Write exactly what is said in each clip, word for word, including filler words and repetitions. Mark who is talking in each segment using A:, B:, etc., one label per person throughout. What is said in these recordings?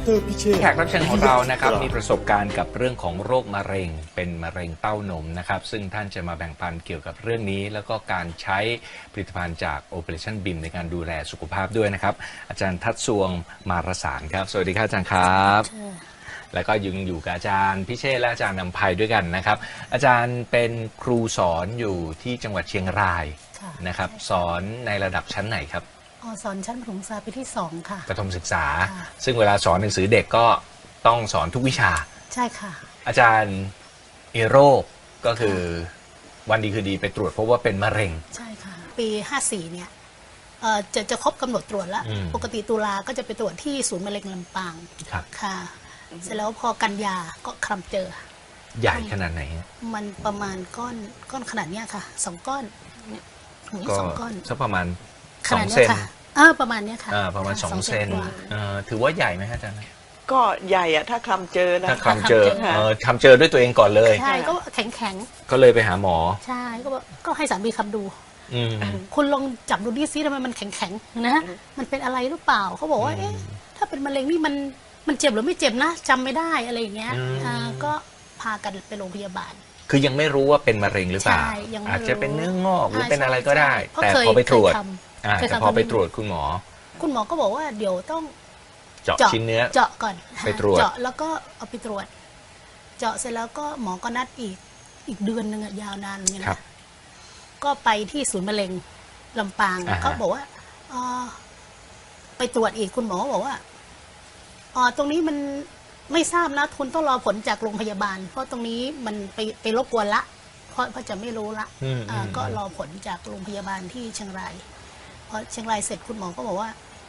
A: รพิเชษฐ์
B: แขกรับเชิญของเรานะครับมีประสบการณ์กับเรื่องของโรคมะเร็งเป็นมะเร็งเต้านมนะครับซึ่งท่านจะมาแบ่งปันเกี่ยวกับเรื่องนี้ แล้วก็การใช้ผลิตภัณฑ์จาก Operation บี ไอ เอ็ม ในการดูแลสุขภาพด้วยนะครับอาจารย์ทัศสวงมารสารครับสวัสดีครับอาจารย์ครับแล้วก็ยังอยู่กับอาจารย์พิเชษฐ์และอาจารย์นำภัยด้วยกันนะครับอาจารย์เป็นครูสอนอยู่ที่จังหวัดเชียงรายนะครับสอนในระดับชั้นไหนครับ
C: สอนชั้นประถมศึกษาปีที่สองค่ะ
B: ประถมศึกษาซึ่งเวลาสอนหนังสือเด็กก็ต้องสอนทุกวิชา
C: ใช่ค่ะ
B: อาจารย์เอโรคก็คือวันดีคือดีไปตรวจพบว่าเป็นมะเร็ง
C: ใช่ค่ะปีห้าสี่เนี่ยจะจะครบกำหนดตรวจแล้วปกติตุลาก็จะไปตรวจที่ศูนย์มะเร็งลำปางค่ะเสร็จแล้วพอกันยาก็คลำเจอ
B: ใหญ่ขนาดไหน
C: มันประมาณก้อนก้อนขนาดเนี้ยค่ะสองก้อนเนี่ยสองก้อน
B: สักประมาณสองเซน
C: เออประมาณนี้ค่ะ
B: ประมาณสองเซนถือว่าใหญ่ไหมอาจารย์
D: ก็ใหญ่อะถ้าคลำเจอนะ
B: ถ้าคลำเจอคลำเจอด้วยตัวเองก่อนเลย
C: ใช่ก็แข็งแข็ง
B: ก็เลยไปหาหมอ
C: ใช่ก็ก็ให้สามีคำดูคุณลองจับดูดิซิทำไมมันแข็งแข็งนะมันเป็นอะไรหรือเปล่าเขาบอกว่าเอ๊ะถ้าเป็นมะเร็งนี่มันมันเจ็บหรือไม่เจ็บนะจำไม่ได้อะไรอย่างเงี้ยก็พากันไปโรงพยาบาล
B: คือยังไม่รู้ว่าเป็นมะเร็งหรือเปล่าอาจจะเป็นเนื้องอกหรือเป็นอะไรก็ได้แต่พอไปตรวจแต่พอไปตรวจคุณหมอ
C: คุณหมอก็บอกว่าเดี๋ยวต้อง
B: เจาะชิ้นเนื้อ
C: เจาะก่อน
B: ไปตรวจ
C: เจาะแล้วก็เอาไปตรวจเจาะเสร็จแล้วก็หมอก็นัดอีกอีกเดือนหนึ่งยาวนานอย่างเงี้ยก็ไปที่ศูนย์มะเร็งลำปางเขาบอกว่าไปตรวจอีกคุณหมอบอกว่าอ๋อตรงนี้มันไม่ทราบนะคุณต้องรอผลจากโรงพยาบาลเพราะตรงนี้มันไปไปรบกวนละเพราะเพราะจะไม่รู้ละก็รอผลจากโรงพยาบาลที่เชียงรายพอเชียงรายเสร็จคุณหมอก็บอกว่า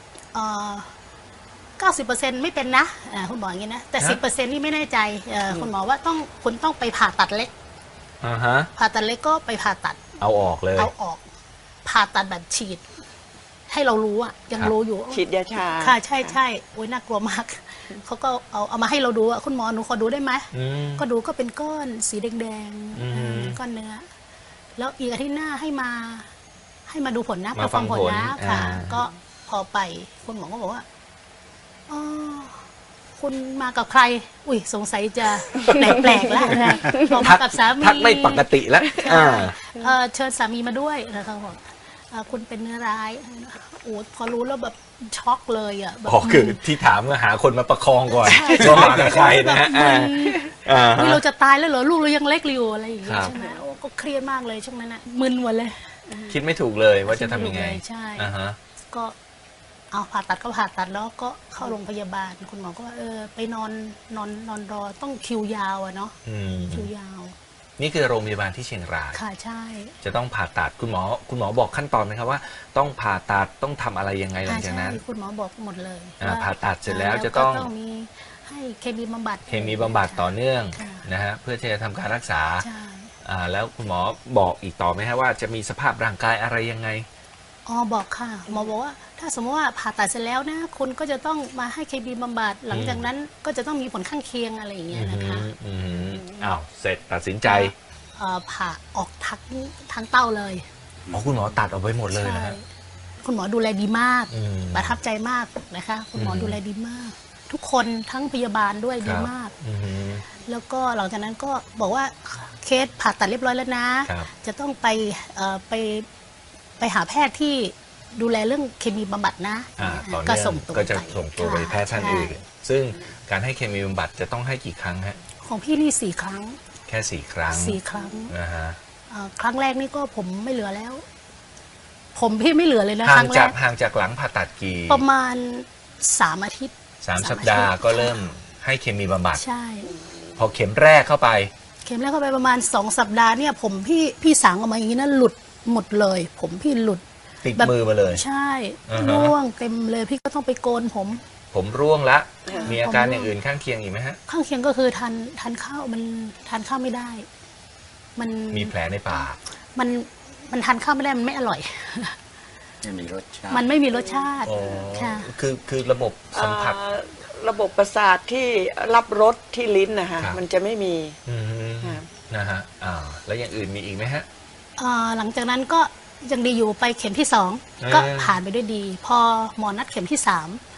C: เก้าสิบเปอร์เซ็นต์ไม่เป็นนะคุณหมออย่างนี้นะแต่สิบเปอร์เซ็นต์นี่ไม่แน่ใจคุณหมอว่าต้องคุณต้องไปผ่าตัดเล็กผ่าตัดเล็กก็ไปผ่าตัด
B: เอาออกเลย
C: เอาออกผ่าตัดแบบฉีดให้เรารู้อะยังรู้อยู่
D: ฉีดยาชา
C: ค่ะใช่ใช่โอ้ยน่ากลัวมากเขาก็เอาเอามาให้เราดูอะคุณหมอหนูขอดูได้ไหมก็ดูก็เป็นก้อนสีแดงๆก้อนเนื้อแล้วอีกอาทิตย์หน้าให้มาให้มาดูผลนะมาฟังผลนะค่ะก็พอไปคุณหมอก็บอกว่าอ๋อคุณมากับใครอุ้ยสงสัยจะแปลกๆแล้วนะบอกมากับสามี
B: ทักไม่ปกติแล้ว
C: เชิญสามีมาด้วยนะคะบอกคุณเป็นเนื้อร้ายโอ้พอรู้แล้วแบบช็อกเลยอ่ะ
B: อ๋อคือที่ถามก็หาคนมาประคองก่อนว่ามากับใครนะฮะ
C: นี่เราจะตายแล้วเหรอลูกเรายังเล็กอยู่อะไรอย่างเงี้ยใช่ไหมโอ้ก็เครียดมากเลยช่วงนั้นอ่ะมึนหมดเลย
B: คิดไม่ถูกเลยว่าจะทำยังไง
C: ใช่ก็เอาผ่าตัดก็ผ่าตัดแล้วก็เข้าโรงพยาบาลคุณหมอก็ว่าเออไปนอนนอนนอนรอต้องคิวยาวอะเนาะคิวยาว
B: นี่คือโรงพยาบาลที่เชียงราย
C: ค่ะใช่
B: จะต้องผ่าตัดคุณหมอคุณหมอบอกขั้นตอนไหมครับว่าต้องผ่าตัดต้องทำอะไรยังไงหลังจากนั้น
C: คุณหมอบอกหมดเลย
B: ผ่าตัดเสร็จแล้วจะต้อง
C: มีให้เคมีบำบัด
B: เคมีบำบัดต่อเนื่องนะฮะเพื่อที่จะทำการรักษาแล้วคุณหมอบอกอีกต่อไหมฮะว่าจะมีสภาพร่างกายอะไรยังไง
C: อ๋อบอกค่ะหมอบอกว่าถ้าสมมติว่าผ่าตัดเสร็จแล้วนะคุณก็จะต้องมาให้เคมีบำบัดหลังจากนั้นก็จะต้องมีผลข้างเคียงอะไรอย่างเงี้ยนะคะ
B: อ้าวเสร็จตัดสินใจ
C: ผ่าออกทั้งทั้งเต้าเลย
B: อ๋อคุณหมอตัดออกไปหมดเลยนะฮะ
C: คุณหมอดูแลดีมากประทับใจมากนะคะคุณหมอดูแลดีมากทุกคนทั้งพยาบาลด้วยดีมากแล้วก็หลังจากนั้นก็บอกว่าเคสผ่าตัดเรียบร้อยแล้วนะจะต้องไปไปไปหาแพทย์ที่ดูแลเรื่องเคมีบำบัดนะ
B: ก็ส่งตัวก็จะส่งตัวไปแพทย์ท่านอื่นซึ่งการให้เคมีบำบัดจะต้องให้กี่ครั้งฮะ
C: ของพี่นี่สี่ครั้ง
B: แค่สี่ครั้ง
C: สี่ครั้งนะฮะครั้งแรกนี่ก็ผมไม่เหลือแล้วผมพี่ไม่เหลือเลยนะ
B: ห่างจากห่างจากหลังผ่าตัดกี่
C: ประมาณสามอาทิตย์
B: สามสัปดาห์ก็เริ่มให้เคมีบำบัด
C: ใช่
B: พอเข็มแรกเข้าไป
C: เข็มแรกเข้าไปประมาณสองสัปดาห์เนี่ยผมพี่พี่สางออกมาอย่างนี้นะหลุดหมดเลยผมพี่หลุด
B: ติดมือมาเลย
C: ใช่ร่วงเต็มเลยพี่ก็ต้องไปโกนผม
B: ผมร่วงละมีอาการอย่างอื่นข้างเคียงอีกไหมฮะ
C: ข้างเคียงก็คือทานทานข้าวมันทานข้าวไม่ได้มัน
B: มีแผลในปาก
C: มันมันทานข้าวไม่ได้มันไม่อร่อย
A: ไม่มีรสชาติ
C: มันไม่มีรสชาติค่ะ
B: คือคือระบบสัมผัส
D: ระบบประสาทที่รับรสที่ลิ้นนะคะมันจะไม่มี
B: นะฮะอ่าแล้วอย่างอื่นมีอีกไหมฮะ
C: หลังจากนั้นก็ยังดีอยู่ไปเข็มที่สองก็ผ่านไปด้วยดีพอหมอนัดเข็มที่สาม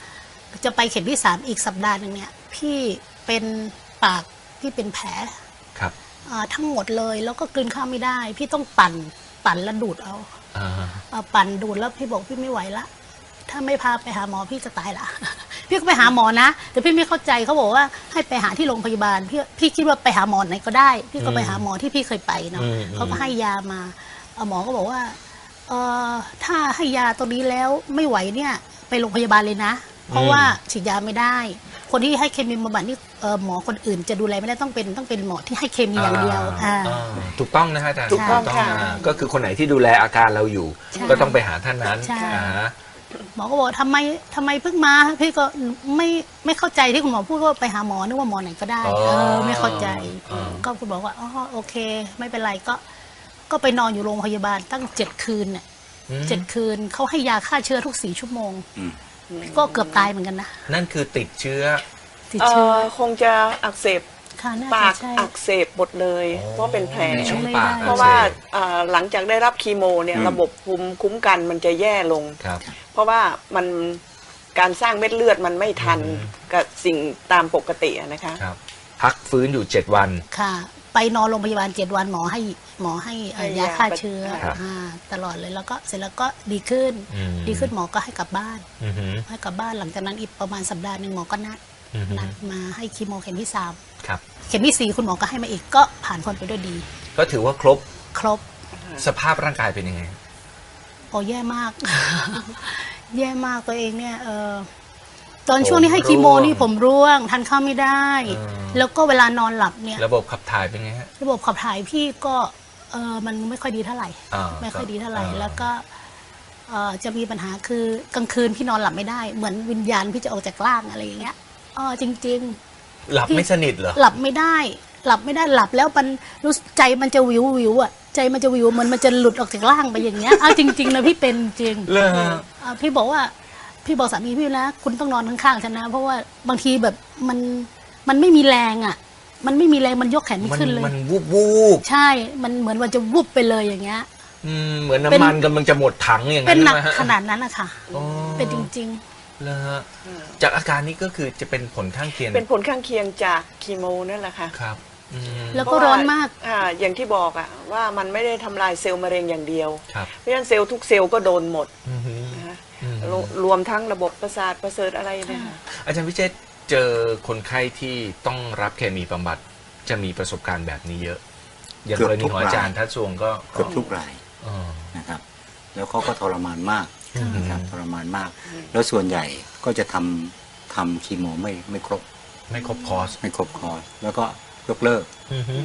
C: จะไปเข็มที่สามอีกสัปดาห์หนึ่งเนี่ยพี่เป็นปากพี่เป็นแผล
B: ครับ
C: อ่าทั้งหมดเลยแล้วก็กลืนข้าวไม่ได้ พี่ต้องปั่นปั่นแล้วดูดเอา
B: อ่า
C: อ่าปั่นดูดแล้วพี่บอกพี่ไม่ไหวละถ้าไม่พาไปหาหมอพี่จะตายละ พี่ก็ไปหาหมอนะ แต่พี่ไม่เข้าใจเขาบอกว่าให้ไปหาที่โรงพยาบาลพี่พี่คิดว่าไปหาหมอไหนก็ได้ พี่ก็ไปหาหมอที่พี่เคยไปเนาะเขาก็ให้ยามาเอาหมอก็บอกว่าเออถ้าให้ยาตัวนี้แล้วไม่ไหวเนี่ยไปโรงพยาบาลเลยนะ เพราะว่าฉีดยาไม่ได้ คนที่ให้เคมีบำบัดนี่เอ่อหมอคนอื่นจะดูแลไม่ได้ต้องเป็นต้องเป็นหมอที่ให้เคมีอย่างเดียวอ่า
B: อ่าถูกต้องนะฮะอาจารย์
D: ถูกต้องค่ะ
B: นะก็คือคนไหนที่ดูแลอาการเราอยู่
C: ใช่
B: ก็ต้องไปหาท่านนั้น
C: ใช่
B: อ่าฮะ
C: หมอก็บอกทำไมทำไมเพิ่งมาพี่ก็ไม่ไม่เข้าใจที่คุณหมอพูดว่าไปหาหมอนึกว่าหมอไหนก็ได้
B: อ๋อ
C: เออไม่เข้าใจ
B: อ๋อ
C: ก็คุณบอกว่าอ๋อโอเค ไม่เป็นไรก็ ก็ไปนอนอยู่โรงพยาบาลตั้งเจ็ดคืนเนี่ย
B: อืม
C: เจ็ดคืนเขาให้ยาฆ่าเชื้อทุกสี่ชั่วโมง
A: อืม
C: ก็เกือบตายเหมือนกันนะ
B: นั่นคือติดเชื้อ
C: ติด
D: เอ่
C: เชื้อ
D: อคงจะอักเสบ
C: ค่ะน่า
D: ปา
C: จะ
D: ก
C: ใช่
D: อักเสบหมดเลย
B: อ๋อ
D: เพราะเป็นแผล
B: ในช่องปาก
C: ไม่ได้
D: เพราะว่า
B: อักสบ
D: เอ่อหลังจากได้รับคีโมเนี่ย
A: อืม
D: ระบบภูมิคุ้มกันมันจะแย่ลง
B: ครับ
D: เพราะว่ามันการสร้างเม็ดเลือดมันไม่ทัน
B: อืม
D: กับสิ่งตามปกติอะนะคะ
B: ครับ พักฟื้นอยู่เจ็ดวัน
C: ค่ะ ไปนอนโรงพยาบาลเจ็ดวันหมอให้หมอให้เอ่อ
D: ให้
C: ยาย
D: า
C: ฆ่าเชื้อ
B: ครับ
C: อ่าตลอดเลยแล้วก็เสร็จแล้วก็ดีขึ้น
B: อืม
C: ดีขึ้นหมอก็ให้กลับบ้าน
B: อือหือ
C: ให้กลับบ้านหลังจากนั้นอีกประมาณสัปดาห์หนึ่งหมอก็นัด
B: อือหือ
C: นัดมาให้คีโมเข็มที่สาม
B: ครับ
C: เข็มที่สี่คุณหมอก็ให้มาอีกก็ผ่านพ้นไปด้วยดี
B: ก็ถือว่าครบ
C: ครบ
B: สภาพร่างกายเป็นยังไง
C: โอ้แย่มาก แย่มากตัวเองเนี่ยเออตอนช่วงที่ให้คีโมนี่ผมร่วงทานข้าวไม่ได้
B: อ่า
C: แล้วก็เวลานอนหลับเนี่ย
B: ระบบขับถ่ายเป็นไงฮะ
C: ระบบขับถ่ายพี่ก็เออมันไม่ค่อยดีเท่าไหร่
B: อ่า
C: ไม่ค่อยดีเท่าไหร่
B: อ่า
C: แล้วก็เอ่อจะมีปัญหาคือกลางคืนพี่นอนหลับไม่ได้ เหมือนวิญญาณพี่จะออกจากร่างอะไรอย่างเงี้ยอ๋อจริง
B: หลับไม่สนิทเหรอ
C: ๆ หลับไม่ได้ หลับไม่ได้หลับแล้วมันรู้สึกใจมันจะวิววิวอ่ะใจมันจะวิวเหมือนมันจะหลุดออกจากร่างไปอย่างเงี้ยเอาจริงๆนะพี่เป็นจริง
B: เลย
C: อ่าพี่บอกว่าพี่บอกสามีพี่นะคุณต้องนอนข้างๆฉันนะเพราะว่าบางทีแบบมันมันไม่มีแรงอ่ะ มันไม่มีแรงมันยกแขนไม่
B: มัน
C: ขึ้นเลย
B: มันวูบวูบ
C: ใช่มันเหมือนมันจะวุบไปเลยอย่างเงี้ย
B: อืมเหมือน
C: เป็น
B: น้ำมันกำลังจะหมดถังอย่าง
C: เป็
B: นั้น น
C: หนัก
B: ใช่ไหมฮะ
C: ขนาดนั้นนะคะ
B: อ๋อ
C: เป็นจริง
B: เลยฮะจากอาการนี้ก็คือจะเป็นผลข้างเคียง
D: เป็นผลข้างเคียงจากคีโมนั่นแหละค่ะ
B: ครับอืม
C: ๆ แล้วก็ร้อนมาก
D: อ่าอย่างที่บอกอะว่ามันไม่ได้ทำลายเซลล์มะเร็งอย่างเดียว
B: ครับ
D: เพราะฉะนั้นเซลล์ทุกเซลล์ก็โดนหมด
B: อือหือ
D: นะคะ
B: อืม
D: รวรวมทั้งระบบประสาทประเสริฐอะไรเนะคะ
B: อาจารย์วิเชษฐ์เจอคนไข้ที่ต้องรับเคมีบำบัดจะมีประสบการณ์แบบนี้เยอะ อย่าง
A: เกื
B: ก
A: อบ
B: รณี
A: ทุก
B: ของอาจารย์
A: ราย
B: ทัศวงก็
A: เกือบทุกราย
B: อ๋อ
A: นะครับ แล้วเขาก็ทรมานมาก
B: อืม
A: นะครับทรมานมาก แล้วส่วนใหญ่ก็จะทำทำคีโมไม่ไม่ครบ
B: ไม่ครบคอร์ส
A: ไม่ครบคอร์สแล้วก็ยกเลิก
B: อือหือย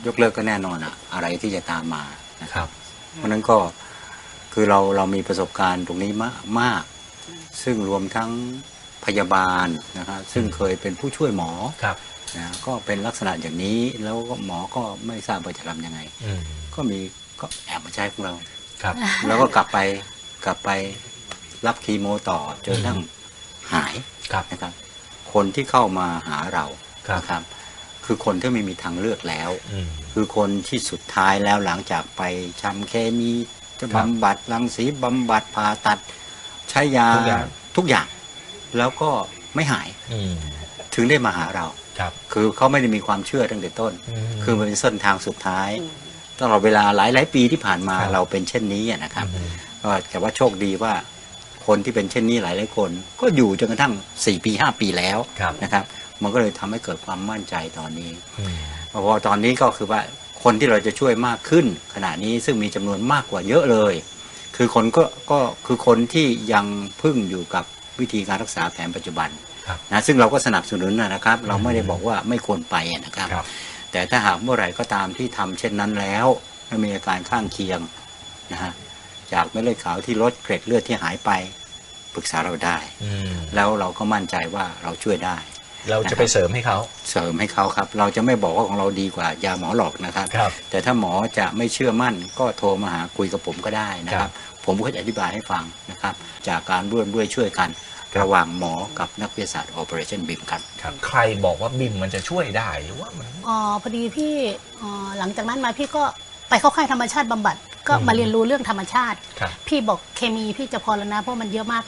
A: กเลิกก็แน่นอนอะอะไรที่จะตามมานะค
B: ครับ รับ
A: เพราะฉะนั้นก็คือเราเรามีประสบการณ์ตรงนี้มากมาก ซึ่งรวมทั้งพยาบาลนะครับซึ่งเคยเป็นผู้ช่วยหมอ
B: ครับ
A: นะก็เป็นลักษณะอย่างนี้แล้วก็หมอก็ไม่ทราบว่าจะทำยังไง
B: อืม
A: ก็มีก็แอบมาใช้ของเรา
B: ครับ
A: แล้วก็กลับไปกลับไปรับคีโมต่อจนกระทั่งหาย
B: ครับ
A: นะครับ คนที่เข้ามาหาเรา
B: ครับ
A: นะครับ คือคนที่ไม่มีทางเลือกแล้ว
B: อืม
A: คือคนที่สุดท้ายแล้วหลังจากไปทำเคมีจะ
B: ครับ
A: บำบัดรังสีบำบัดผ่าตัด ใช้ยา
B: ทุกอย่าง
A: ทุกอย่าง แล้วก็ไม่หาย
B: อืม
A: ถึงได้มาหาเรา
B: ครับ
A: คือเขาไม่ได้มีความเชื่อตั้งแต่ต้น
B: อืม
A: คือมันเป็นเส้นทางสุดท้ายตลอดเวลาหลายหลายๆปีที่ผ่านมา
B: ครับ
A: เราเป็นเช่นนี้อะนะครับ
B: อืม
A: ก็แต่ว่าโชคดีว่าคนที่เป็นเช่นนี้หลายหลายๆคน ก็อยู่จนกระทั่งสี่ปีห้าปีแล้ว
B: ครับ
A: นะครับ มันก็เลยทำให้เกิดความมั่นใจตอนนี้
B: อืม
A: พอตอนนี้ก็คือว่าคนที่เราจะช่วยมากขึ้นขณะนี้ซึ่งมีจำนวนมากกว่าเยอะเลย คือคนก็ก็คือคนที่ยังพึ่งอยู่กับวิธีการรักษาแผนปัจจุบัน
B: ครับ
A: นะซึ่งเราก็สนับสนุนนะครับ เราไม่ได้บอกว่าไม่ควรไปนะครับ
B: ครับ
A: แต่ถ้าหากเมื่อไหร่ก็ตามที่ทำเช่นนั้นแล้วไม่มีอาการข้างเคียงนะฮะจากเม็ดเลือดขาวที่ลดเกร็ดเลือดที่หายไปปรึกษาเราได้
B: อืม
A: แล้วเราก็มั่นใจว่าเราช่วยได้
B: เราจะไปเสริมให้เขา
A: เสริมให้เขาครับ เราจะไม่บอกว่าของเราดีกว่ายาหมอหลอกนะครับ
B: ครับ
A: แต่ถ้าหมอจะไม่เชื่อมั่นก็โทรมาหาคุยกับผมก็ได้นะค
B: ครั
A: รับ
B: บ
A: ผมก็จะอธิบายให้ฟังนะครับ จากการร่วมด้วยช่วยกันระหว่างหมอกับนักวิทยาศาสตร์ Operation บีมครับ
B: ครับ ใครบอกว่าบิมมันจะช่วยได้หรือว่ามัน
C: อ๋อพอดีพี่อ๋อหลังจากนั้นมาพี่ก็ไปเข้าค่ายธรรมชาติบำบัดก็
B: อืม
C: มาเรียนรู้เรื่องธรรมชาติ
B: ครับ
C: พี่บอกเคมีพี่จะพอแล้วนะเพราะมันเยอะมากละ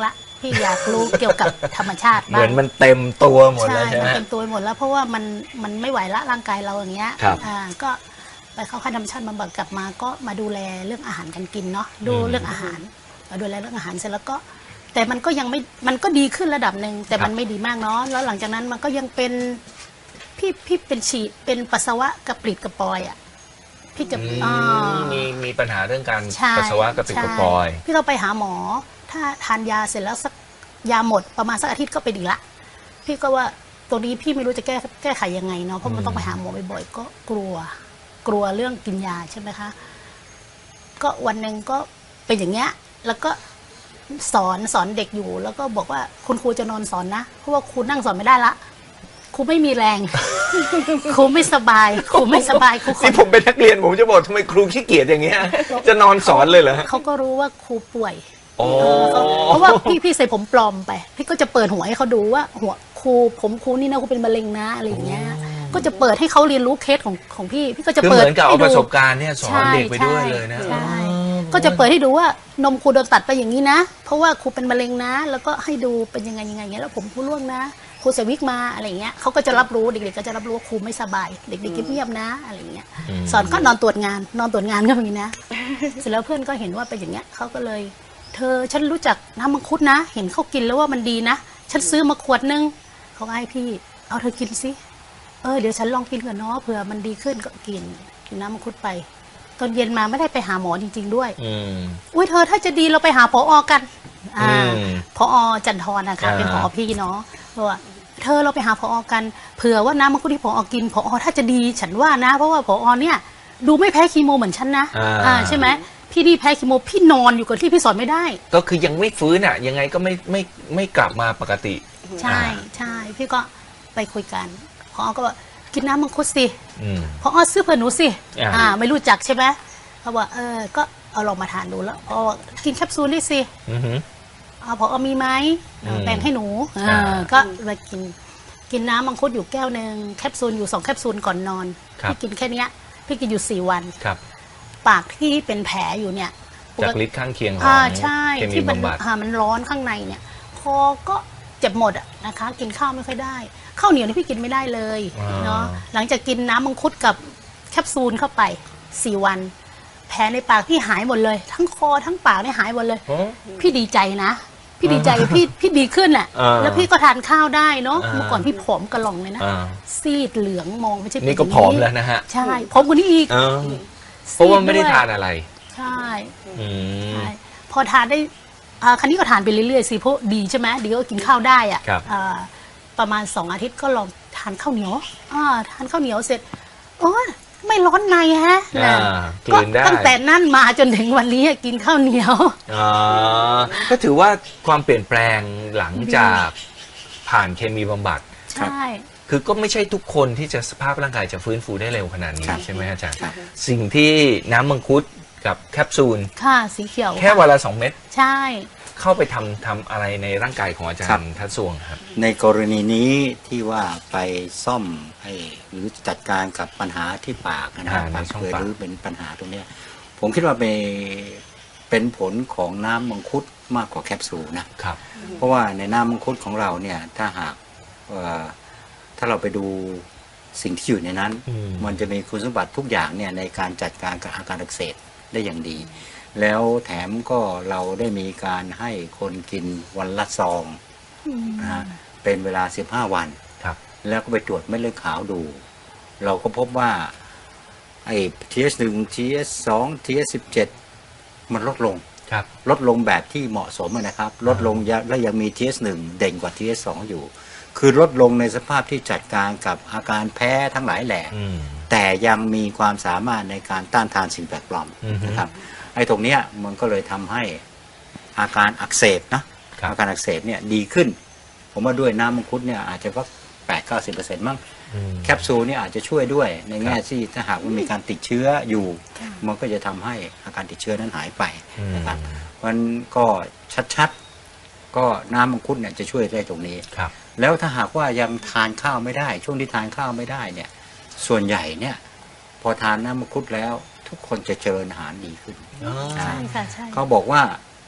C: พี่อยากรู้เกี่ยวกับธรรมชาติ
B: เห
C: บ้าง
B: มือนมันเต็มตัวหมด
C: ใช่
B: แล้วใช่ไห
C: มัน
B: ม
C: เต็มตัวหมดแล้วเพราะว่ามันมันไม่ไหวละร่างกายเราอย่างเงี้ย
B: ครับ
C: อ่าก็ไปเข้าค่ายธรรมชาติบำบัดกลับมาก็มาดูแลเรื่องอาหารการกินเนาะดูเรื่องอาหารมาดูแลเรื่องอาหารเสร็จแล้วก็ แต่มันก็ยังไม่มันก็ดีขึ้นระดับหนึ่งแต่มันไม่ดีมากเนาะแล้วหลังจากนั้นมันก็ยังเป็นพี่พี่เป็นฉีดเป็นปัสสาวะกระปริดกระปอยอ่ะพี่จะ
B: อืม
C: อ่า
B: มีมีปัญหาเรื่องการ
C: ใช่
B: ปัสสาวะกระปิดกระปอย
C: ใช่พี่เราไปหาหมอ ถ้าทานยาเสร็จแล้วสักยาหมดประมาณสักอาทิตย์ก็เป็นอีกละพี่ก็ว่าตัวนี้พี่ไม่รู้จะแก้แก้ไขยังไงเนาะเพราะมันต้องไปหาหมอบ่อยๆก็กลัว กลัวเรื่องกินยาใช่ไหมคะก็วันหนึ่งก็เป็นอย่างเงี้ยแล้วก็สอนสอนเด็กอยู่ แล้วก็บอกว่าคุณครูจะนอนสอนนะเพราะว่าครูนั่งสอนไม่ได้ละครูไม่มีแรง ครูไม่สบายครูไม่สบายครูขอ
B: นี่ผมเป็นนักเรียนผมจะบอกทำไมครูขี้เกียจอย่างเงี้ย จะนอนสอนเลยเหรอ
C: เขาก็รู้ว่าครูป่วย
B: อ๋อ
C: เพราะว่าพี่พี่ใส่ผมปลอมไปพี่ก็จะเปิดหัวให้เขาดูว่าหัวครูผมครูนี่นะครูเป็นมะเร็งนะอะไรอย่างเงี้ยก็จะเปิดให้เขาเรียนรู้เคสของของพี่พี่ก็จะ
B: คือ
C: เปิ
B: เห
C: ด
B: มือนกับเอา
C: ให้
B: ป
C: ดู
B: ระสบการณ์เนี่ยสอนเด็กไปด้วยเลยนะ
C: ใช่ใช่ก็จะเปิดให้ดูว่านมครูโดนตัดไปอย่างนี้นะ เพราะว่าครูเป็นมะเร็งนะ แล้วก็ให้ดูเป็นยังไงยังไงอย่างเงี้ยแล้วผมครูร่วงนะครูใส่วิกมาอะไรอย่างเงี้ยเขาก็จะรับรู้เด็กๆก็จะรับรู้ว่าครูไม่สบายเด็กๆเงียบๆนะอะไรอย่างเงี้ย
B: อืม
C: สอนก็นอนตรวจงานนอนตรวจงานก็มีนะ เสร็จแล้วเพื่อนก็เห็นว่าเป็นอย่างเงี้ยเขาก็เลย เธอฉันรู้จักน้ำมังคุดนะ เห็นเขากินแล้วว่ามันดีนะ ฉันซื้อมาขวดนึงเขาก็ให้พี่ เอาเธอกินสิเออเดี๋ยวฉันลองกินก่อนเนาะเผื่อมันดีขึ้นก็กินกินน้ำมังคุดไป ตอนเย็นมาไม่ได้ไปหาหมอจริง ๆ ด้วย
B: อืม
C: อุ้ยเธอถ้าจะดีเราไปหาพออกันอ่า
B: อืม
C: พอจันทรนะคะ
B: อ่า
C: เป็นพอพี่เนาะบอกว่าเธอเราไปหาพอกันเผื่อว่าน้ำมังคุดที่พอกินพอถ้าจะดีฉันว่านะ เพราะว่าพอเนี่ยดูไม่แพ้คีโมเหมือนฉันนะ
B: อ่า
C: อ่าใช่ไหมพี่นี่แพ้คีโมพี่นอนอยู่กับที่พี่สอนไม่ได้
B: ก็คือยังไม่ฟื้นอ่ะ ยังไงก็ไม่ไม่ไม่กลับมาปกติ
C: ใช่ใช่พี่ก็ไปคุยกันพอก็บอกกินน้ำมังคุดสิ
B: อืม
C: พอซื้อเผื่อหนูสิ
B: อ่า
C: อ่าไม่รู้จักใช่ไหมเขาบอกเออก็เอาลองมาทานดูแล้วอ๋อกินแคปซูลนี่สิ
B: อือหือ
C: เอาพอมีไหม
B: อืม
C: แบ่งให้หนูเออ
B: อ่า
C: ก็มากินกินน้ำมังคุดอยู่แก้วหนึ่งแคปซูลอยู่สองแคปซูลก่อนนอน
B: ครับ
C: พี่กินแค่เนี้ยพี่กินอยู่สี่วัน
B: ครับ
C: ปากที่เป็นแผลอยู่เนี่ย
B: จากฤทธิ์ข้างเคียงของ
C: อ่าใช่
B: เคมี
C: ที่มัน
B: บำบัด
C: อ่ามันร้อนข้างในเนี่ยคอก็เจ็บหมดอะนะคะ กินข้าวไม่ค่อยได้ข้าวเหนียวนี่พี่กินไม่ได้เลย
B: อ่า
C: เนาะหลังจากกินน้ำมังคุดกับแคปซูลเข้าไปสี่วัน แผลในปากพี่หายหมดเลย ทั้งคอทั้งปากเนี่ยหายหมดเลย
B: อ๋อ
C: พี่ดีใจนะ พี่ดีใจพี่พี่ดีขึ้นอ่ะ
B: อ่า
C: แล้วพี่ก็ทานข้าวได้เนาะ
B: อ่า
C: เมื่อก่อนพี่ผอมกระหล่องเลยนะ
B: อ่า
C: ซีดเหลืองมองไม่ใช่เป็
B: นี่ก็
C: ย่าง
B: ผอมแล้วนะฮะ
C: ใช่ผอมกว่านี้อีก
B: เออเพราะว่าไม่ได้
C: ซี
B: ทานอะไร
C: ใช่
B: อืม
C: ใช่พอทานได้อ่าครั้นี้ก็ทานไปเรื่อยๆสิเพราะดีใช่ไหมดีก็กินข้าวได้อ่ะ
B: ครับ
C: อ่าประมาณสองอาทิตย์ก็ลองทานข้าวเหนียวอ่าทานข้าวเหนียวเสร็จโอ้ยไม่ร้อนในฮะ
B: อ่า
C: นะ
B: กลืนได้
C: ตั้งแต่นั้นมาจนถึงวันนี้กินข้าวเหนียว
B: อ่าก็ถือว่าความเปลี่ยนแปลงหลังจากผ่านเคมีบำบัด
C: ใช่
B: คือก็ไม่ใช่ทุกคนที่จะสภาพร่างกายจะฟื้นฟูได้เร็วขนาดนี้
A: ครับ
B: ใช่ไหมอาจารย์
A: ครับ
B: สิ่งที่น้ำมังคุดกับแคปซูล
C: ค่ะสีเขียว
B: แค่วันละสองเม็ด
C: ใช่
B: เข้าไปทำทำอะไรในร่างกายของอาจาร
A: ครับ
B: ย์ทัศสวงครับ
A: ในกรณีนี้ที่ว่าไปซ่อมให้หรือจัดการกับปัญหาที่ปากนะครั
B: อ่า
A: บ
B: ใน
A: ปาก
B: ช่อง
A: เกิด
B: ปาก
A: หรือเป็นปัญหาตรงเนี้ยผมคิดว่าเป็นเป็นผลของน้ำมังคุดมากกว่าแคปซูลนะ
B: ครับ
A: เพราะว่าในน้ำมังคุดของเราเนี่ยถ้าหากเอ่อถ้าเราไปดูสิ่งที่อยู่ในนั้น
B: อืม
A: มันจะมีคุณสมบัติทุกอย่างเนี่ยในการจัดการกับอาการอักเสบได้อย่างดี แล้วแถมก็เราได้มีการให้คนกินวันละซองนะฮะเป็นเวลา สิบห้า วัน
B: ครับ
A: แล้วก็ไปตรวจเม็ดเลือดขาวดู เราก็พบว่าไอ้ ที เอช หนึ่ง ที เอช สอง ที เอช สิบเจ็ด มันลดลง
B: ครับ
A: ลดลงแบบที่เหมาะสมอะนะครับ ลดลงยะและยังมี ที เอช หนึ่ง เด่นกว่า ที เอช สอง อยู่ คือลดลงในสภาพที่จัดการกับอาการแพ้ทั้งหลายแหล่
B: อืม
A: แต่ยังมีความสามารถในการต้านทานสิ่งแปลกปลอม
B: อือฮึ
A: นะครับไอ้ตรงเนี้ยมันก็เลยทำให้อาการอักเสบนะครับ อาการอักเสบเนี่ยดีขึ้น ผมว่าด้วยน้ำมังคุดเนี่ยอาจจะสักแปดเก้าสิบเปอร์เซ็นต์มั้ง
B: อืม
A: แคปซูลเนี่ยอาจจะช่วยด้วยในแง่
B: ครับ
A: ที่ถ้าหากมันมีการติดเชื้ออยู่ มันก็จะทำให้อาการติดเชื้อนั้นหายไปนะครับ
B: อืม
A: มันก็ชัดๆก็น้ำมังคุดเนี่ยจะช่วยได้ตรงนี้
B: ครับ
A: แล้วถ้าหากว่ายังทานข้าวไม่ได้ ช่วงที่ทานข้าวไม่ได้เนี่ยส่วนใหญ่เนี่ยพอทานน้ำมังคุดแล้วทุกคนจะเจริญอาหารดีขึ้น
B: อ๋อ
C: ใช่ค่ะใช่
A: เขาบอกว่า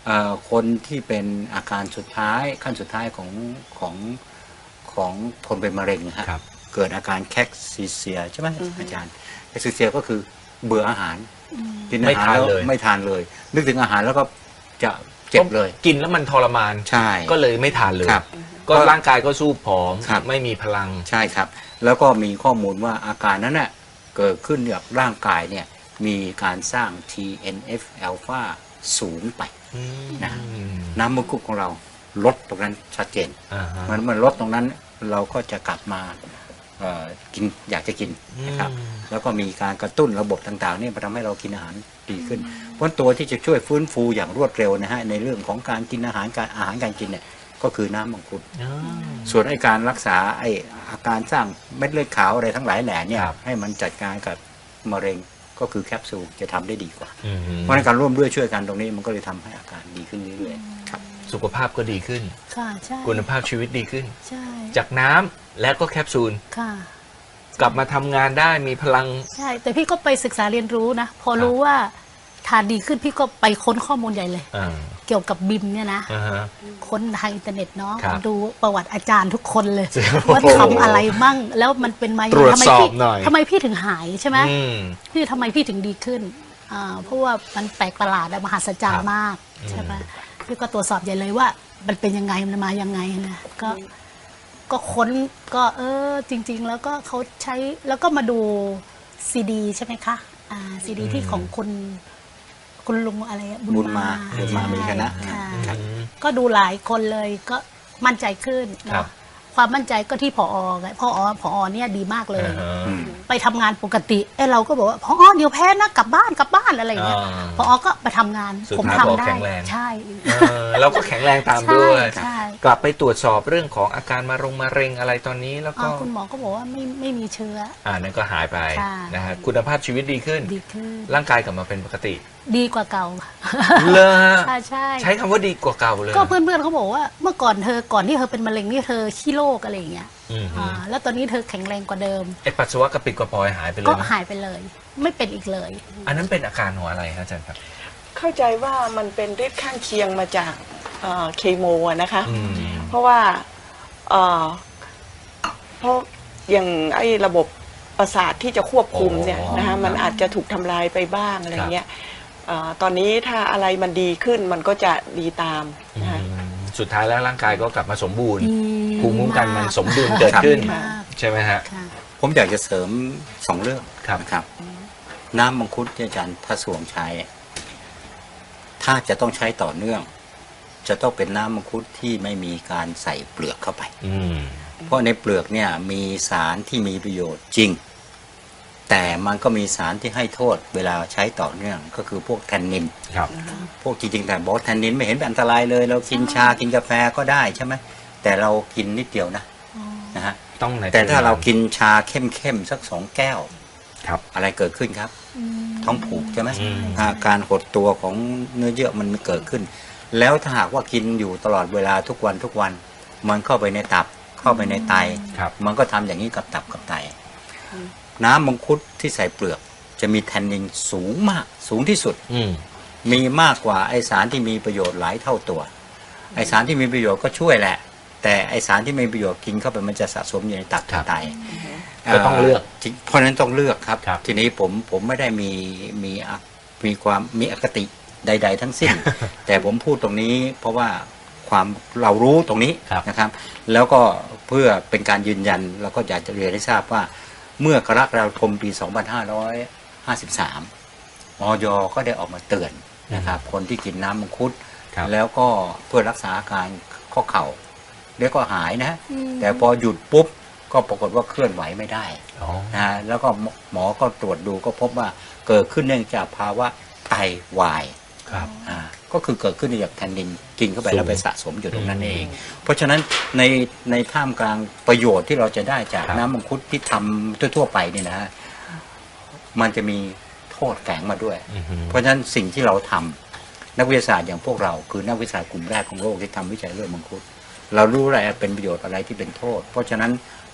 A: เอ่อคนที่เป็นอาการสุดท้ายขั้นสุดท้ายของของของคนเป็นมะเร็งนะฮะ
B: ครับ
A: เกิดอาการแคคซิเซียใช่ไหมอาจารย์แคคซิเซียก็คือเบื่ออาหารกินอาหารแล้วไม่ทานเลย นึกถึงอาหารแล้วก็จะเจ็บเลย
B: กินแล้วมันทรมาน
A: ใช่
B: ก็เลยไม่ทานเลย
A: ครับ
B: ก็ร่างกายก็สู้ผอม
A: ครับ
B: ไม่มีพลัง
A: ใช่ครับ แล้วก็มีข้อมูลว่าอาการนั้นน่ะเกิดขึ้นจากร่างกายเนี่ยมีการสร้าง ที เอ็น เอฟ อลฟา สูงไป นะ น้ำมังคุดของเราลดตรงนั้นชัดเจน
B: อ่าฮะ
A: มันมันลดตรงนั้นเราก็จะกลับมาเอ่อกินอยากจะกินนะครับ
B: อืม
A: แล้วก็มีการกระตุ้นระบบต่างๆนี่มาทำให้เรากินอาหารดีขึ้น เพราะตัวที่จะช่วยฟื้นฟูอย่างรวดเร็วนะฮะในเรื่องของการกินอาหารการอาหารการกินเนี่ยก็คือน้ำมังคุด
B: อ่า
A: ส่วนไอ้การรักษาไอ้อาการสร้างเม็ดเลือดขาวอะไรทั้งหลายแหล่เนี่ย
B: ครับ
A: ให้มันจัดการกับมะเร็งก็คือแคปซูลจะทำได้ดีกว่า
B: อืม
A: เพราะฉะนั้นการร่วมด้วยช่วยกันตรงนี้มันก็เลยทำให้อาการดีขึ้นเรื่อยๆครับ
B: สุขภาพก็ดีขึ้น
C: ค่ะใช่
B: คุณภาพชีวิตดีขึ้น
C: ใช่
B: จากน้ำและก็แคปซูล
C: ค่ะ
B: กลับมาทำงานได้มีพลัง
C: ใช่ แต่พี่ก็ไปศึกษาเรียนรู้นะ พอรู้ว่าทานดีขึ้นพี่ก็ไปค้นข้อมูลใหญ่เลย
B: อ่า
C: เกี่ยวกับบิมเนี่ยนะ
B: อ่าฮะ
C: ค้นทางอินเทอร์เน็ตเนาะ
B: ครับ
C: ดูประวัติอาจารย์ทุกคนเลย
B: โอ้โห
C: ว่าทำอะไรมั่ง แล้วมันเป็นมายัง
B: ตรวจ
C: ไงทำไม
B: สอบ
C: พี่
B: หน่อย
C: ทำไมพี่ถึงหายใช่ไหม
B: อืม
C: พี่ทำไมพี่ถึงดีขึ้นอ่าเพราะว่ามันแปลกประหลาดและมหัศจรร
B: ครั
C: ย์
B: บ
C: มาก
B: อืม
C: ใช่ไหมพี่ก็ตรวจสอบใหญ่เลยว่า มันเป็นยังไงมันมายังไงนะก็ก็ค้นก็เออจริง ๆ แล้วก็เขาใช้แล้วก็มาดูซีดีใช่ไหมคะอ่าซีดีที่ของคุณคุณลุงอะไรอะ
A: บุญมาบุญมา
C: ใช่
A: มีคณะ
C: ค่ะ
A: ครับ
B: อืม
C: ก็ดูหลายคนเลยก็มั่นใจขึ้น
B: ครับ
C: เนาะความมั่นใจก็ที่ผอไงผอผอเนี่ยดีมากเลย
B: อ่าฮะ
A: อืม
C: ไปทำงานปกติเอ้เราก็บอกว่าพอเดี๋ยวแพ้นะกลับบ้านกลับบ้านอะไรอย่างเงี้ย
B: อ่า
C: พอก็ไปทำงาน
B: สุด
C: ผม
B: ท้าย
C: ทำ
B: ผอ
C: ได้
B: แข็งแรง
C: ใช่
B: เออเราก็แข็งแรงตามด้วย
C: ใช่
B: กลับไปตรวจสอบเรื่องของอาการมะรงมะเร็งอะไรตอนนี้แล้ว
C: อ๋
B: ก็
C: อคุณหมอก็บอกว่าไม่ไม่มีเชื้อ
B: อ่านั่นก็หายไป
C: ค่ะ
B: นะฮะคุณภาพชีวิตดีขึ้น
C: ดีขึ้น
B: ร่างกายกลับมาเป็นปกติ
C: ดีกว่าเก่า
B: เลย
C: ใช่ใช่
B: ใช้คำว่าดีกว่าเก่าเลย
C: ก็เพื่อนๆเขาบอกว่าเมื่อก่อนเธอก่อนที่เธอเป็นมะเร็งนี่เธอขี้โรคอะไรอย่างเงี้ย
B: อืมฮึ
C: อ่าแล้วตอนนี้เธอแข็งแรงกว่าเดิม
B: ไอปัสสาวะกระปิดกระปอยหายไปเลย
C: ก็
B: ไหม
C: หายไปเลย ไม่เป็นอีกเลย
B: อันนั้นเป็นอาการของอะไรครับอาจารย์ครับ
D: เข้าใจว่ามันเป็นฤทธิ์ข้างเคียงมาจากเอ่อเคมีอะนะคะ
B: อืม
D: เพราะว่าเอ่อเพราะอย่างไอ้ระบบประสาทที่จะควบคุมเนี่ย
B: อ๋อ
D: นะคะมันอาจจะถูกทำลายไปบ้างอะไรเงี้ยเอ่อตอนนี้ถ้าอะไรมันดีขึ้นมันก็จะดีตามนะคะ
B: อืมสุดท้ายแล้วร่างกายก็กลับมาสมบูรณ์
C: ดี
B: ภูมิคุ้มกันมัน
C: มาก
B: สมดุลเกิดขึ้น
C: ดีมาก
B: ใช่ไหมฮะ
C: ค่ะ
A: ผมอยากจะเสริมสองเรื่อง
B: ครับ
A: นะครับ น้ำมังคุดที่อาจารย์ถ้าสวมใช้ ถ้าจะต้องใช้ต่อเนื่อง จะต้องเป็นน้ำมังคุดที่ไม่มีการใส่เปลือกเข้าไป
B: อืม
A: เพราะในเปลือกเนี่ยมีสารที่มีประโยชน์จริง แต่มันก็มีสารที่ให้โทษเวลาใช้ต่อเนื่อง ก็คือพวกแทนนิน
B: ครับ
A: พวกจริงๆแต่บอกแทนนินไม่เห็นเป็นอันตรายเลย เรากินชากินกาแฟก็ได้ใช่ไหมแต่เรากินนิดเดียวนะนะฮะ
B: ต้องใน
A: แต่ถ้าเรากินชาเข้มๆสักสองแก้ว
B: ครับ
A: อะไรเกิดขึ้นครับ ท้องผูกใช่ไหม
B: อืม
A: อาการหดตัวของเนื้อเยื่อมันเกิดขึ้น แล้วถ้าหากว่ากินอยู่ตลอดเวลาทุกวันทุกวัน มันเข้าไปในตับเข้าไปในไต
B: ครับ
A: มันก็ทำอย่างนี้กับตับกับไต น้ำมังคุดที่ใส่เปลือก จะมีแทนนินสูงมาก สูงที่สุด
B: อืม
A: มีมากกว่าไอสารที่มีประโยชน์หลายเท่าตัว ไอสารที่มีประโยชน์ก็ช่วยแหละ แต่ไอสารที่ไม่มีประโยชน์กินเข้าไปมันจะสะสมอยู่ในตับ
B: ครับ
A: ไต
B: ก็ต้องเลือก
A: เพราะฉะนั้นต้องเลือกครับ
B: ครับ
A: ทีนี้ผมผมไม่ได้มีมีอะมีความมีอคติใด ๆ ทั้งสิ้น แต่ผมพูดตรงนี้เพราะว่าความเรารู้ตรงนี้
B: ครับ
A: นะครับ แล้วก็เพื่อเป็นการยืนยันเราก็อยากจะเรียนให้ทราบว่า เมื่อกรกฎาคมปี สองพันห้าร้อยห้าสิบสาม อย ก็ได้ออกมาเตือนนะครับ คนที่กินน้ำมังคุด
B: ครับ
A: แล้วก็เพื่อรักษาอาการข้อเข่าเดี๋ยวก็หายนะ
C: อืม
A: แต่พอหยุดปุ๊บก็ปรากฏว่าเคลื่อนไหวไม่ได้
B: อ๋อ
A: นะฮะแล้วก็หมอก็ตรวจดูก็พบว่าเกิดขึ้นเนื่องจากภาวะไตวาย
B: ครับ
A: อ่าก็คือเกิดขึ้นจากแทนนินกินเข้าไป
B: สูง
A: แล้วไปสะสมอยู่ตรงนั้น
B: อืม
A: เอง เพราะฉะนั้นในในท่ามกลางประโยชน์ที่เราจะได้จาก
B: ครับ
A: น้ำมังคุดที่ทำทั่วๆไปเนี่ยนะฮะมันจะมีโทษแฝงมาด้วย
B: อือฮึ
A: เพราะฉะนั้นสิ่งที่เราทำนักวิทยาศาสตร์อย่างพวกเรา คือนักวิทยาศาสตร์กลุ่มแรกของโลกที่ทำวิจัยเรื่องมังคุด เรารู้อะไรเป็นประโยชน์อะไรที่เป็นโทษ เพราะฉะนั้น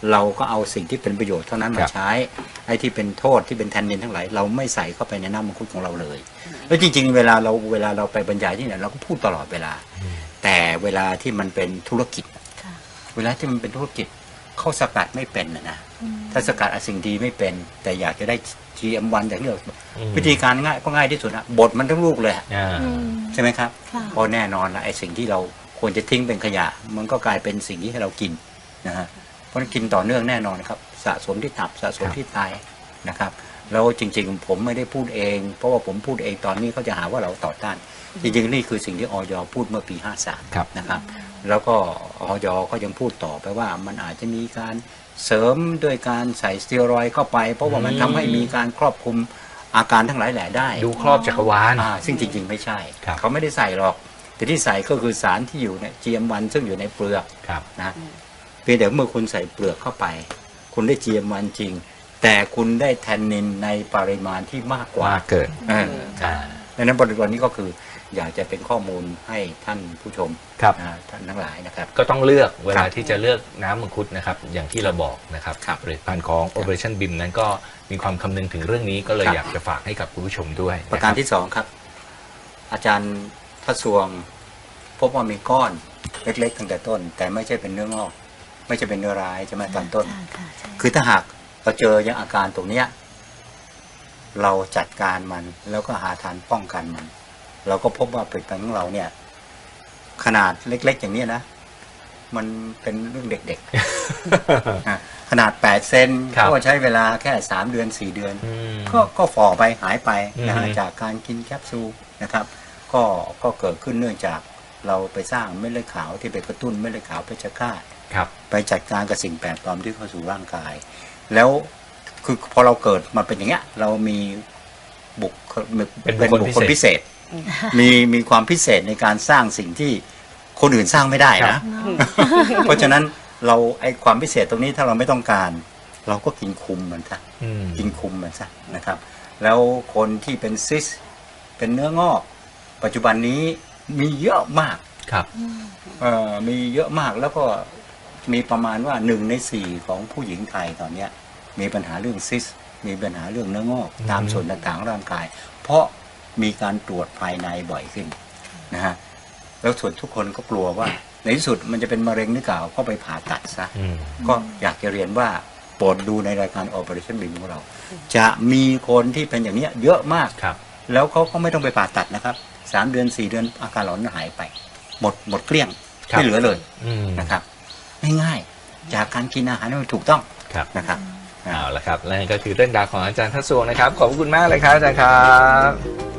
A: เราก็เอาสิ่งที่เป็นประโยชน์เท่านั้น
B: ค
A: มา
B: รับ
A: ใช้ไอ้ที่เป็นโทษที่เป็นแทนนินทั้งหลายเราไม่ใส่เข้าไปในน้ำมังคุดของเราเลยแล้วจริงๆเวลาเราเวลาเราไปบรรยายที่ไหนเราก็พูดตลอดเวลา แต่เวลาที่มันเป็นธุรกิจ
C: ค่ะ
A: เวลาที่มันเป็นธุรกิจเขาสกัดไม่เป็นนะนะถ้าสกัดเอาสิ่งดีไม่เป็น แต่อยากจะได้ จี เอ็ม วัน อย่างที่เรา
B: อืม
A: วิธีการง่ายก็ง่ายที่สุดนะบดมันทั้งลูกเลยอะ
B: อ่า
C: อืม
A: ใช่ไหมครับ
C: ค่ะ
A: เพราะแน่นอนละไอ้สิ่งที่เราควรจะทิ้งเป็นขยะ มันก็กลายเป็นสิ่งที่ให้เรากินนะฮะเพราะฉะนั้นกินต่อเนื่องแน่นอนนะครับสะสมที่ตับสะสมที่ไตนะครับแล้วจริงๆผมไม่ได้พูดเอง เพราะว่าผมพูดเองตอนนี้เขาจะหาว่าเราต่อต้าน จริงๆนี่คือสิ่งที่อย พูดเมื่อปีห้าสาม
B: ครับ
A: นะครับ แล้วก็อย ก็ยังพูดต่อไปว่ามันอาจจะมีการเสริมด้วยการใส่สเตียรอยด์เข้าไป เพราะว่ามันทำให้มีการครอบคลุมอาการทั้งหลายแหล่ได้
B: ดูครอบจักรวาล
A: อ่าซึ่งจริงๆไม่ใช่
B: ครับ
A: เขาไม่ได้ใส่หรอก แต่ที่ใส่ก็คือสารที่อยู่ใน จี เอ็ม วัน ซึ่งอยู่ในเปลือก
B: ครับ
A: นะเพียงแต่เมื่อคุณใส่เปลือกเข้าไป คุณได้ จี เอ็ม วัน จริง แต่คุณได้แทนนินในปริมาณที่มากกว่า
B: ว่าเกิด
A: เออครับดังนั้นบริบทนี้ก็คืออยากจะเป็นข้อมูลให้ท่านผู้ชม
B: ครับ
A: นะท่านทั้งหลายนะครับ
B: ก็ต้องเลือกเวลา
A: ครับ
B: ที่จะเลือกน้ำมังคุดนะครับ อย่างที่เราบอกนะครับ
A: ครับ
B: ผลิตภัณฑ์ของ Operationบี ไอ เอ็ม นั้นก็มีความคำนึงถึงเรื่องนี้ก็เลย
A: ครับ
B: อยากจะฝากให้กับคุณผู้ชมด้วย
A: ประการ
B: นคบ
A: ที่สองครับ อาจารย์ทศวงพบว่ามีก้อนเล็กๆตั้งแต่ต้น แต่ไม่ใช่เป็นเนื้องอก ไม่ใช่เป็นเนื้อร้ายใช่ไหมตอนต้น
C: ค่ะค่ะใช่
A: คือถ้าหากเราเจออย่างอาการตรงเนี้ยเราจัดการมันแล้วก็หาทางป้องกันมัน เราก็พบว่าผลิตภัณฑ์ของเราเนี่ย ขนาดเล็ก ๆ อย่างนี้นะ มันเป็นเรื่องเด็กๆ อ่ะขนาดแปดเซน
B: ครับ
A: ก็ใช้เวลาแค่สามเดือนสี่เดือน
B: อืม
A: ก็ก็ฝ่อไปหายไปนะฮะ
B: อือฮึ
A: จากการกินแคปซูลนะครับ ก็ก็เกิดขึ้นเนื่องจากเราไปสร้างเม็ดเลือดขาวที่ไปกระตุ้นเม็ดเลือดขาวเพชฌฆาต
B: ครับ
A: ไปจัดการกับสิ่งแปลกปลอมที่เข้าสู่ร่างกาย แล้วคือพอเราเกิดมาเป็นอย่างเงี้ย เรามีบุค
B: เป็นบุคคล
A: บุคคล
B: พิ
A: พิ
B: เศ
A: เศ
B: ษ
A: ษ มีมีความพิเศษในการสร้างสิ่งที่คนอื่นสร้างไม่ได้
B: ครั
A: นะ
B: บ
A: เพราะฉะนั้นเราไอความพิเศษตรงนี้ถ้าเราไม่ต้องการ เราก็กินคุมมันซะ
B: อืม
A: กินคุมมันซะนะครับ แล้วคนที่เป็นซิส เป็นเนื้องอก ปัจจุบันนี้มีเยอะมาก
B: ครับ
A: เอ่อมีเยอะมากแล้วก็มีประมาณว่าหนึ่งในสี่ของผู้หญิงไทยตอนเนี้ยมีปัญหาเรื่องซิส มีปัญหาเรื่องเนื้องอก
B: อืม
A: ตามส่วนต่างๆของร่างกาย เพราะมีการตรวจภายในบ่อยขึ้นนะฮะแล้วส่วนทุกคนก็กลัวว่า ในที่สุดมันจะเป็นมะเร็งหรือเปล่าก็ไปผ่าตัดซะ
B: อืม
A: ก็อยากจะเรียนว่าโปรดดูในรายการ Operationบี ของเรา จะมีคนที่เป็นอย่างเนี้ยเยอะมาก
B: ครับ
A: แล้วเขาก็ไม่ต้องไปผ่าตัดนะครับสามเดือนสี่เดือนอาการหลอนหายไป หมดหมดเกลี้ยง
B: ครับ
A: ไม่เหลือเลย
B: อืม
A: นะครับง่ายๆจากการกินอาหารที่มันถูกต้อง
B: ครับ
A: นะครับ
B: เอาละครับและนี่ก็คือเรื่องราวของอาจารย์ทัศวงศ์นะครับ ขอบคุณมากเลยครับอาจารย์ครับ